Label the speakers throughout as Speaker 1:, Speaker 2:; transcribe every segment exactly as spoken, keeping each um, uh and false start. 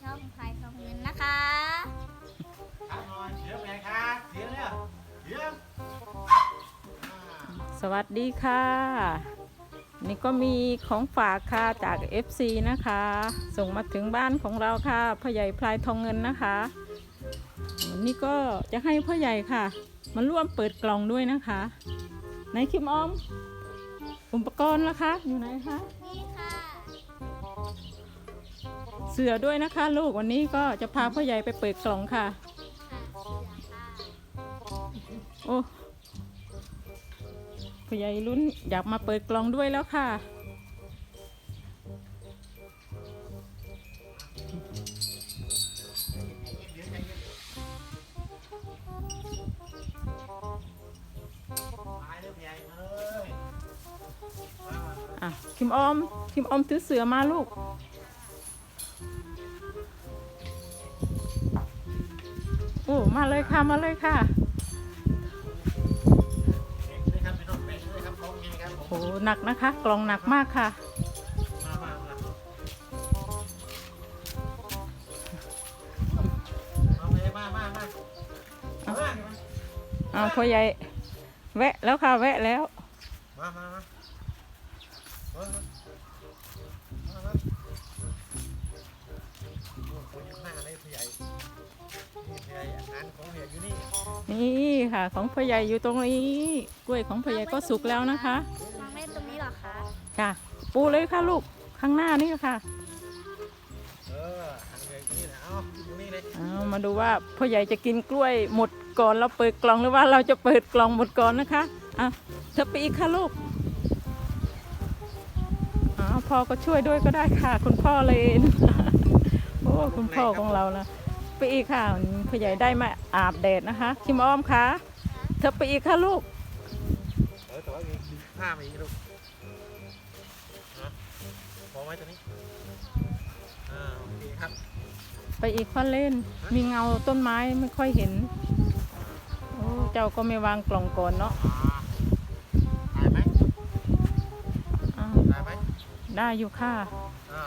Speaker 1: ช่องพายทองเงินนะคะ
Speaker 2: ครับหน่อยเสียงไงครับเสียงเนี่ยเสียง
Speaker 3: สวัสดีค่ะนี่ก็มีของฝากค่ะจาก เอฟ ซี นะคะส่งมาถึงบ้านของเราค่ะพ่อใหญ่พลายทองเงินนะคะนี่ก็จะให้พ่อใหญ่ค่ะมาร่วมเปิดกล่องด้วยนะคะไหนคิมออมอุปกรณ์ล่ะคะอยู่ไหนคะ
Speaker 1: นี่ค่ะ
Speaker 3: เสือด้วยนะคะลูกวันนี้ก็จะพาพ่อใหญ่ไปเปิดกล่องค่ะ
Speaker 1: ค่ะเสือค่ะ
Speaker 3: โอ้พ่อใหญ่ลุ้นอยากมาเปิดกล่องด้วยแล้วค่ะอ่ะคิมออมคิมออมถือเสือมาลูกโอ้มาเลยค่ะมาเลยค่ะโอ้หนักนะคะกล่องหนักมากค่ะเอาพ่อใหญ่แวะแล้วค่ะแวะแล้ว
Speaker 2: มามามาคนอยู่หน้าเลยผู้ใหญ่ผู้ใหญ่อาหารของเนี่ยอยู่นี่
Speaker 3: นี่ค่ะของพ่อใหญ่อยู่ตรงนี้กล้วยของพ่อใหญ่ก็สุกแล้วนะคะ
Speaker 1: วางไว้ตรงนี้เหรอคะ
Speaker 3: ค่ะปูเลยค่ะลูกข้างหน้านี่ค่ะ
Speaker 2: เออทางเลยนี่นะเอาตรงนี้เลย
Speaker 3: เอามาดูว่าพ่อใหญ่จะกินกล้วยหมดก่อนเราเปิดกล่องหรือว่าเราจะเปิดกล่องหมดก่อนนะคะอ่ะเธอไปอีกค่ะลูกอ๋อพ่อก็ช่วยด้วยก็ได้ค่ะคุณพ่อเลน โอ้คุณพ่อของเรานะไปอีกค่ะพ่อใหญ่ได้มาอาบแดดนะคะคิมอ้อมคะเธอไปอีกค่ะลูก
Speaker 2: เออแต่ว่ามีผ้ามาอีกลูกพอไหมตัวนี้อ่าโอเคครับ
Speaker 3: ไปอีกพ่อเล่นมีเงาต้นไม้ไม่ค่อยเห็นโอ้เจ้าก็ไม่วางกล่องก่อนเนาะ
Speaker 2: ได้ไหมได้ไหม
Speaker 3: ได้อยู่ค่ะ
Speaker 2: อ่า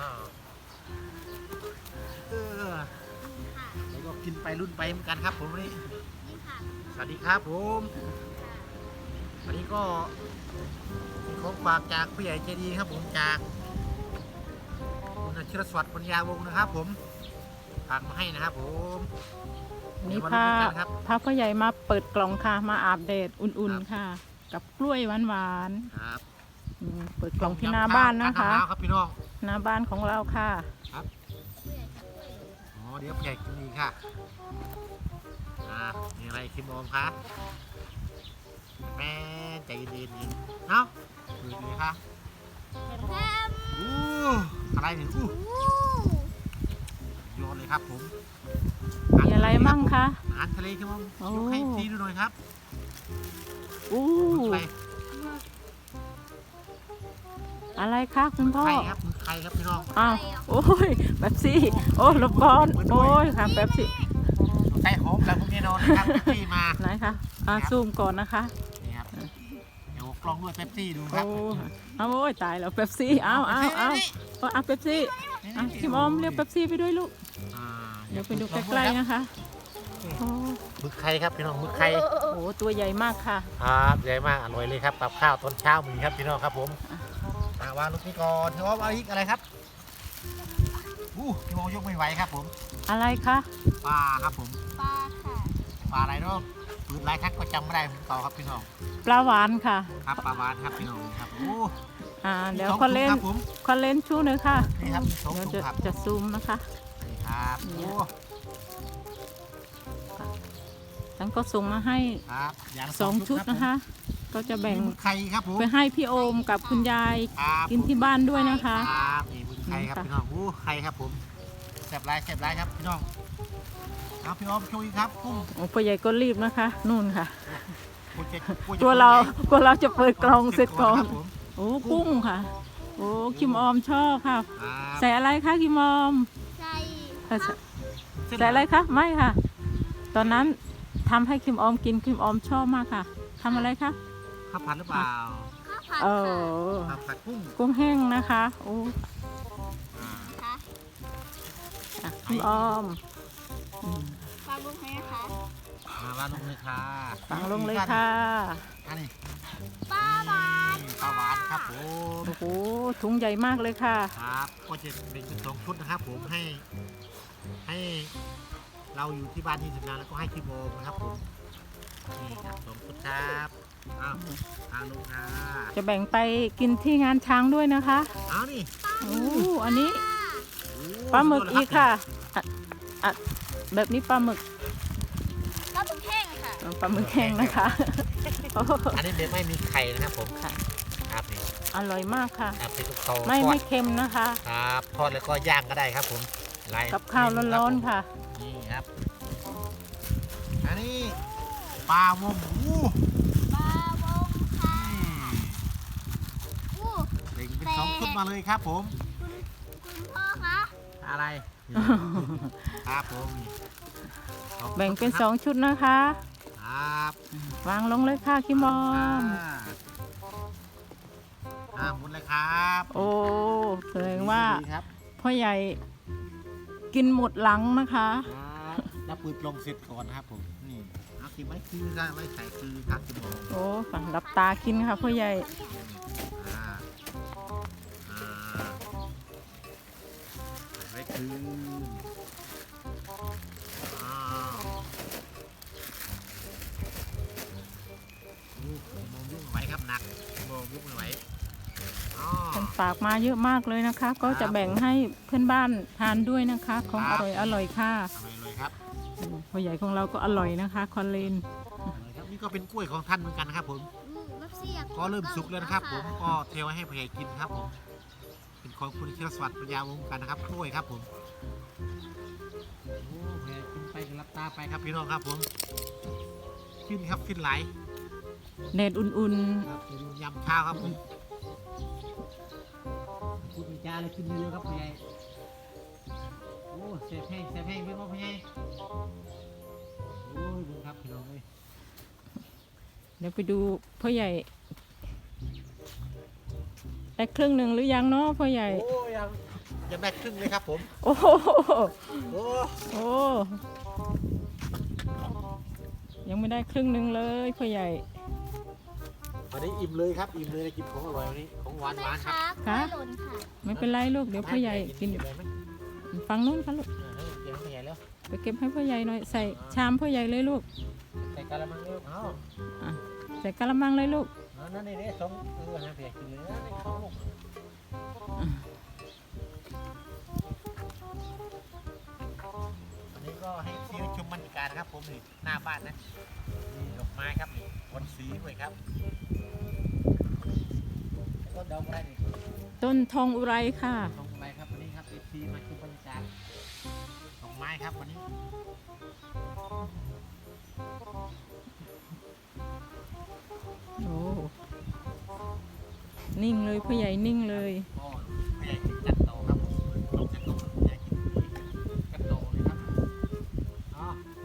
Speaker 2: เออแล้วก็กินไปรุ่นไปเหมือนกันครับผมวันนี้สวัสดีครับผมวันนี้ก็มีของฝากจากผู้ใหญ่ใจดีครับผมจากคุณอาชิรสวัสดิ์ปัญญาวงศ์นะครับผมฝากมาให้นะครับผม
Speaker 3: นี่พาพาพ่อใหญ่มาเปิดกล่องค่ะมาอาบแดดอุ่นๆค่ะกับกล้วยหวาน
Speaker 2: ๆครับ
Speaker 3: เปิดกล่องที่หน้าบ้านนะคะ
Speaker 2: ครับพี่น้อง
Speaker 3: หน้าบ้านของเราค่ะ
Speaker 2: ครับอ๋อเดี๋ยวผู้ใหญ่กินอีกค่ะอ่ามีอะไรคิมอมคะแม่ใจเย็นๆเนาะดูดีค่ะ
Speaker 1: แถม
Speaker 2: อู้อะไรเนี่ยอู้โยนเลยครับผม
Speaker 3: มีอะไรมั่งคะ
Speaker 2: อาหารทะเลคิมอมยกให้ทีดูหน่อยครับ
Speaker 3: อู้อะไรคะคุณพ่อ
Speaker 2: ไข่ครับไข่ครับพี่น้อง
Speaker 3: อ้าวโอ้ยแบบซี่โอ้ลบบอลโอ้ยค่ะแบบซี่
Speaker 2: ไข่หอมแล้วพวกนี้นอนนะครับเป๊ปซี่มา
Speaker 3: ไหนคะอ่าซูมก่อนนะคะ
Speaker 2: นี่ครับเดี๋ยวกล้องด้วยเป๊ปซี่ดูครับ
Speaker 3: โอ้ยตายแล้วเป๊ปซี่อ้าวอ้าวอ้าวเอาเป๊ปซี่คิมอมเรียกเป๊ปซี่ไปด้วยลูกเดี๋ยวไปดูใกล้ๆนะคะ
Speaker 2: หมึกไข่ครับพี่น้องหมึกไข่
Speaker 3: โอ้ตัวใหญ่มากค่ะ
Speaker 2: ครับใหญ่มากอร่อยเลยครับกับข้าวตอนเช้ามีครับพี่น้องครับผมวางลูกนี้ก่อนที่ว่าเอาอีกอะไรครับอู้พี่มองยกไม่ไหวครับผม
Speaker 3: อะไรคะ
Speaker 2: ปลาครับผม
Speaker 1: ปลาค่ะ
Speaker 2: ปลาอะไรเนาะปืนลายทักก็จำไม่ได้ผมต่อครับพี่น้อง
Speaker 3: ปลาหวานค่ะ
Speaker 2: ครับปลาหวานครับพี่น้องครับโอ้
Speaker 3: อ่าเดี๋ยวคอนเล่นคอนเล่นชูหน่อยค่ะ
Speaker 2: นี่ครับ
Speaker 3: เดี๋ยวจะจะซูมนะคะ
Speaker 2: นี่ครับโอ้
Speaker 3: ฉันก็ส่งมาให้สองชุดนะคะก็จะแบ่ง
Speaker 2: ไข่ครับผม
Speaker 3: ไปให้พี่โอมกับคุณยายกินที่บ้านด้วยนะคะ
Speaker 2: ครับนี่บุญไข่ครับพี่น้องโอ้ไข่ครับผมแซ่บไรแซ่บไรครับพี่น้องครับพี่โอมช่วยครับกุ้ง
Speaker 3: โอ้พ่อใหญ่ก็รีบนะคะนู่นค่ะตัวเราตัวเราจะเปิดกล่องเสร็จก่อนโอ้กุ้งค่ะโอ้คิมออมชอบค่ะใส่อะไรคะคิมออม
Speaker 1: ใส่
Speaker 3: ใส่อะไรคะไม่ค่ะตอนนั้นทำให้คิมออมกินคิมออมชอบมากค่ะทำอะไรคะ
Speaker 2: ข้าวผัดหรือเปล่า
Speaker 1: ข้าวผัด
Speaker 3: เออ
Speaker 2: ข้าวผัดกุ้ง
Speaker 3: กุ้งแห้งนะคะโอ้คุณออมอืม
Speaker 1: ฟังลุงไหมนะคะ
Speaker 2: มาบ้านลงเลยค่ะ
Speaker 3: ฟังลงเลยค่ะ
Speaker 2: อันนี้
Speaker 1: ป้าบาน
Speaker 2: ปลาหวานครับผม
Speaker 3: โอ้โหถุงใหญ่มากเลยค่ะ
Speaker 2: ครับก็จะแบ่งเป็นสองชุดนะครับผมให้ให้เราอยู่ที่บ้านที่ทำงานแล้วก็ให้ที่โบนะครับผมนี่ครับสองชุดครับอ้าวทางลงค่ะ
Speaker 3: จะแบ่งไปกินที่งานช้างด้วยนะคะ
Speaker 2: เอานี่
Speaker 3: โอ้อันนี้
Speaker 2: โอ้
Speaker 3: ปลาหมึก
Speaker 2: สุดย
Speaker 3: อี
Speaker 2: ด
Speaker 3: ก
Speaker 2: เลย
Speaker 3: ค่ะอ่ะอ่ะแบบนี้ปลาหมึก
Speaker 1: ป้าบุญแห้งค่ะ
Speaker 3: ปลาหมึกแห้งนะคะโอ้
Speaker 2: อันนี้เดี๋ยวไม่มีไข่นะครับผม
Speaker 3: ค่ะ
Speaker 2: ครับนี่
Speaker 3: อร่อยมากค่ะ
Speaker 2: ครับเป็นลูกโต
Speaker 3: ไม่
Speaker 2: ทอ
Speaker 3: ไม่
Speaker 2: ด
Speaker 3: เค็มนะคะ
Speaker 2: ครับทอดแล้วก็ย่างก็ได้ครับผมหลย
Speaker 3: กับข้าวร้อนๆค่ะ
Speaker 2: นี่ครับอันนี้ปลาวงหมู
Speaker 1: ป้าวงค่ะอู้
Speaker 2: เบ่งเป็นสองชุดมาเลยครับผม
Speaker 1: คุณคุณพ่อคะ
Speaker 2: อะไรครับผมสองชุด
Speaker 3: แบ่งเป็นสองชุดนะคะ
Speaker 2: ครับ
Speaker 3: วางลงเลยค่ะคิมอม
Speaker 2: อ่าหมดเลยครับ
Speaker 3: โอ้แสดงว่า
Speaker 2: ดีครับ
Speaker 3: พ่อใหญ่กินหมดหลังนะคะ
Speaker 2: ครับแล้วปืนลงเสร็จก่อนนะครับผมนี่เอากินไว้คือได้ไว้ใส่คือครับคุณหมอ
Speaker 3: โอ้ค่ะรับตากินค่ะพ่อใหญ่
Speaker 2: อ่าอ่าใส่ไว้คืออ้าวลูกมองยุ่งไหวครับหนักมองยุ่งไม่ไหวอ๋อ
Speaker 3: เป็นฝากมาเยอะมากเลยนะคะ ก็จะแบ่งให้เพื่อนบ้านทานด้วยนะคะ ของ
Speaker 2: ครั
Speaker 3: อบ ร่อยอร่อยค่ะ
Speaker 2: ทำไมเลยครับ
Speaker 3: อืมพ่อใหญ่ของเราก็อร่อยนะคะ คอนเลน
Speaker 2: เลยครับนี่ก็เป็นกล้วยของท่านเหมือนกันนะครับผม
Speaker 1: อืมรับเสียบ
Speaker 2: ก็เริ่มสุกแล้วนะครับผมก็เทไว้ให้พ่อใหญ่กินครับผมเป็นของคุณเชียรสวัสดิ์ปัญญาวงศ์กันนะครับกล้วยครับผมโอ้พ่อใหญ่กินไปรับตาไปครับพี่น้องครับผมขึ้นครับขึ้นไหล
Speaker 3: เนตอุ่น
Speaker 2: ครับเป็นยำข้าวครับผมพูดมีจาเลยขึ้นเร็วๆครับพ่อใหญ่โอ้เสียบแห้งเสียบแห้งเป็นว่าพ่อใหญ่โอ้ยบุญครับพี่น้องเลย
Speaker 3: ๆเดี๋ยวไปดูพ่อใหญ่ได้ครึ่งหนึ่งหรือยังเนาะพ่อใหญ่
Speaker 2: โอ้ยังยังได้ครึ่งเลยครับผม
Speaker 3: โอ้โห
Speaker 2: โอ้
Speaker 3: โอ้ยังไม่ได้ครึ่งหนึ่งเลยพ่อใหญ่
Speaker 2: วันนี้อิ่มเลยครับอิ่มเลยได้กินของอร่อยวันนี้ของหวานหวานๆครับ
Speaker 1: กล้วยหล่นค่ะ
Speaker 3: ไม่เป็นไรลูกเดี๋ยวพ่อใหญ่กิน
Speaker 2: เเลยไหม
Speaker 3: ฟังนู้นค่ะลูก
Speaker 2: เออเก็บให้พ่อใหญ่แล้ว
Speaker 3: ไปเก็บให้พ่อใหญ่หน่อยใส่ชามพ่อใหญ่เลยลูก
Speaker 2: ใส่กะละมังเร็วเอา
Speaker 3: อ่ะใส่กะละมังเลยลูก
Speaker 2: เอานั่นนี่นี่สองเออนะเพียกินเลยนะนี่ของลูก
Speaker 3: อ่ะ
Speaker 2: วันนี้ก็ให้ที่ชมบรรยากาศนะครับผมนี่หน้าบ้านนะนี่ดอกไม้ครับนี่บนสีด้วยครับต้นดอกอะไรนี่
Speaker 3: ต้นทองอุไรค่ะ
Speaker 2: ดอกอะไรครับวันนี้ครับเอฟซีมาชมบรรยากาศดอกไม้ครับวันนี้
Speaker 3: โอ้นิ่งเลยพ่อใหญ่นิ่งเลย
Speaker 2: ก็ผู้ใหญ่กินกันโตครับผมลงกันโตผู้ใหญ่กินกันโตเลยครับอ๋อ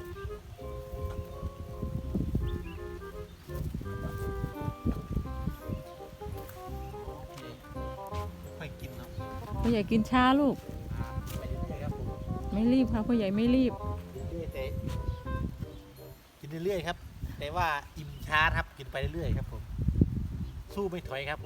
Speaker 2: โอเคค่อยกินเนาะ
Speaker 3: พ่อใหญ่กินช้าลูก
Speaker 2: อ่าไปเรื่อยๆครับผม
Speaker 3: ไม่รีบค่ะพ่อใหญ่ไม่รีบ
Speaker 2: กินเรื่อยๆแต่กินเรื่อยๆครับ แต่ว่าอิ่มช้าครับกินไปเรื่อยๆครับผมสู้ไม่ถอยครับผม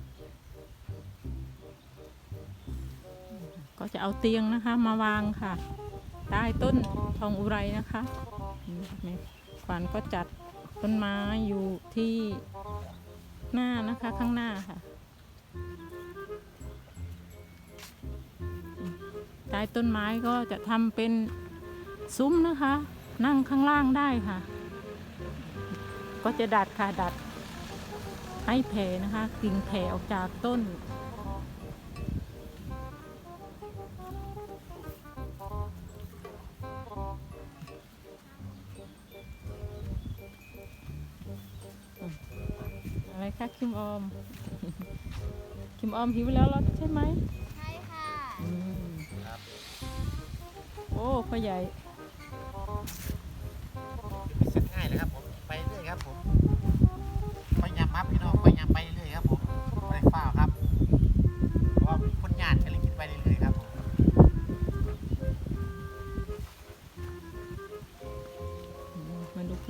Speaker 3: ก็จะเอาเตียงนะคะ มาวางค่ะ ใต้ต้นทองอุไรนะคะนี่แม่ขวัญก็จัดต้นไม้อยู่ที่หน้านะคะข้างหน้าค่ะใต้ต้นไม้ก็จะทำเป็นซุ้มนะคะ นั่งข้างล่างได้ค่ะ ก็จะดัดค่ะดัดให้แผ่นะคะกิ่งแผ่ออกจากต้น อะไรคะคิมออม คิมออมหิวแล้วเหรอใช่ไหม
Speaker 1: ใช่ค่ะ
Speaker 3: อืม
Speaker 2: ครับ
Speaker 3: โอ้พ่อใหญ่
Speaker 2: ไม่เสร็จง่ายเลยครับผมไปเรื่อยครับผมไปยำครับพี่น้องไปยำไปเรื่อยครับผมไม่ได้ฝ้าวครับเพราะว่าคนญาติกันเลยกินไปเรื่อยๆครับผม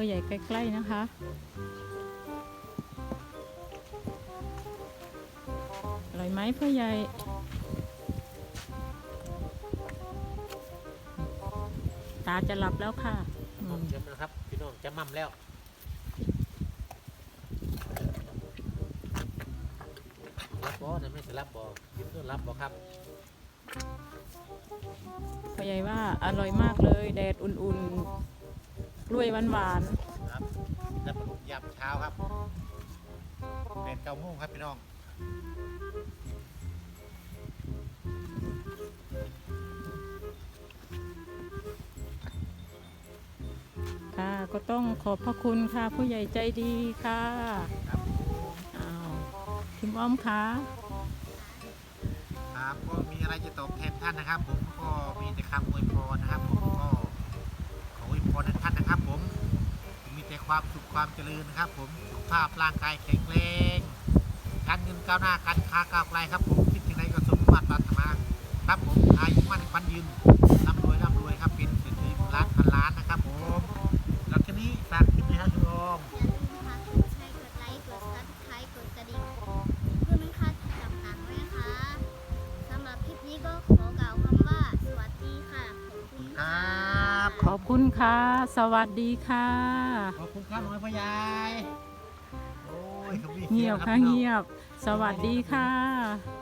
Speaker 3: ใหญ่ใกล้ๆนะคะอร่อยไหมพ่อใหญ่ตาจะหลับแล้วค่ะอืม
Speaker 2: เดี๋ยวนะครับพี่น้องจะมั่มแล้วรับบอนะไม่ใช่รับบอยินดีรับบอครับ
Speaker 3: พ่อใหญ่ว่าอร่อยมากเลยแดดอุ่นๆกล้วยหวาน
Speaker 2: ครับแล้วปลาดุกยามเช้าครับเป็นเก้าโมงครับพี่น้อง
Speaker 3: ๆค่ะก็ต้องขอบพระคุณค่ะผู้ใหญ่ใจดีค่ะ
Speaker 2: ครับ
Speaker 3: อ้าวพิมพ์อ้อมค่ะ
Speaker 2: ครับก็มีอะไรจะตอบแทนท่านนะครับ ผมก็มีแต่คำอวยพรนะครับ ผมก็ขออวยพรให้ท่านนะครับ ผมมีแต่ความสุขความเจริญนะครับ ผมสุขภาพร่างกายแข็งแรงการเงินก้าวหน้าการค้าก้าวไกลครับผมคิดถึงใดก็สมหวังปรารถนาครับผมอายุมั่นขวัญยืนร่ำรวยร่ำรวยครับเป็นเศรษฐีล้านพันล้านนะครับ ผมแล้วทีนี้ฝากคลิปนะครับคุณโอม
Speaker 1: อย่าลืมนะคะกดแชร์กดไลค์กดซับสไครต์กดกระดิ่งเพื่อไม่พลาดคลิปต่างๆด้วยนะคะสำหรับคลิปนี้ก็ขอกล่าวคำว่าสวัสดีค่ะขอบคุณ
Speaker 2: คร
Speaker 1: ค่ะ
Speaker 2: ับ
Speaker 3: ขอบคุณค่ะ สวัสดีค่ะ
Speaker 2: ขอบคุณครับหน่วยพ่อใหญ่โอ้ยขามีสี
Speaker 3: เงียบ
Speaker 2: ง
Speaker 3: ค่ะ
Speaker 2: รับพี่น้อง
Speaker 3: เงียบ สวัสดีค่ะ